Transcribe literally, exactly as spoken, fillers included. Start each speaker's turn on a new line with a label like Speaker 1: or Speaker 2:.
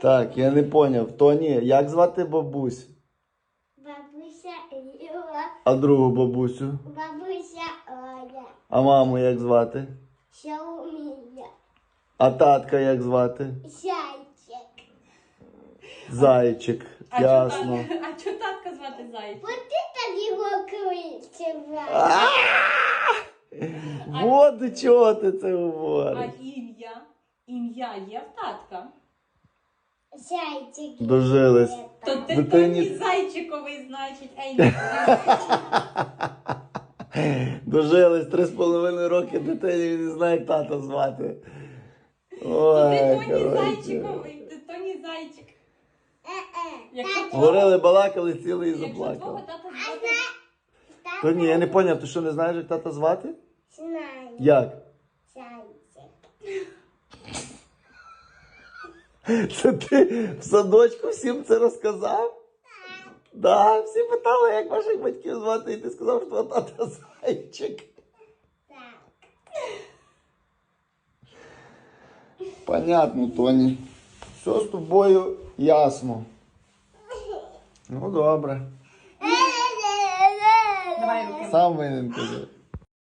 Speaker 1: Так, я не поняв. Тоні, як звати бабусь?
Speaker 2: Бабуся Люба.
Speaker 1: А другу бабусю?
Speaker 2: Бабуся Оля.
Speaker 1: А маму як звати?
Speaker 2: Шаумія.
Speaker 1: А татка як звати?
Speaker 2: Зайчик.
Speaker 1: Зайчик.
Speaker 3: А
Speaker 1: Ясно.
Speaker 3: чо татка, а чо татка звати Зайчик?
Speaker 2: От ти так його кричав.
Speaker 1: Вот до чого ти це
Speaker 3: А
Speaker 1: говориш.
Speaker 3: ім'я? Ім'я є в татка?
Speaker 2: Зайчик.
Speaker 1: Дожились.
Speaker 3: То ти
Speaker 1: Дитині-
Speaker 3: Тоні Зайчиковий, значить, а ім'я.
Speaker 1: Дожились три з половиною роки дитині, він не знає, як тата звати.
Speaker 3: То ти
Speaker 1: Ой,
Speaker 3: Тоні
Speaker 1: коротше.
Speaker 3: Зайчиковий, ти Тоні Зайчик.
Speaker 2: Е-е.
Speaker 3: Якщо твого-
Speaker 1: Говорили, балакали, сіли і
Speaker 3: Якщо твого
Speaker 1: заплакали.
Speaker 3: тата
Speaker 2: А
Speaker 3: звати...
Speaker 2: зна...
Speaker 1: То ні, я не поняв, ти що не знаєш, як тата звати?
Speaker 2: Знаю.
Speaker 1: Як?
Speaker 2: Зайчик.
Speaker 1: Це ти в садочку всім це розказав? Так. Да, всі питали, як ваших батьків звати, і ти сказав, що твого тата Зайчик.
Speaker 2: Так.
Speaker 1: Понятно, Тоні. Все з тобою ясно. Ну, добре.
Speaker 3: Давай руки.
Speaker 1: Сам винен казав.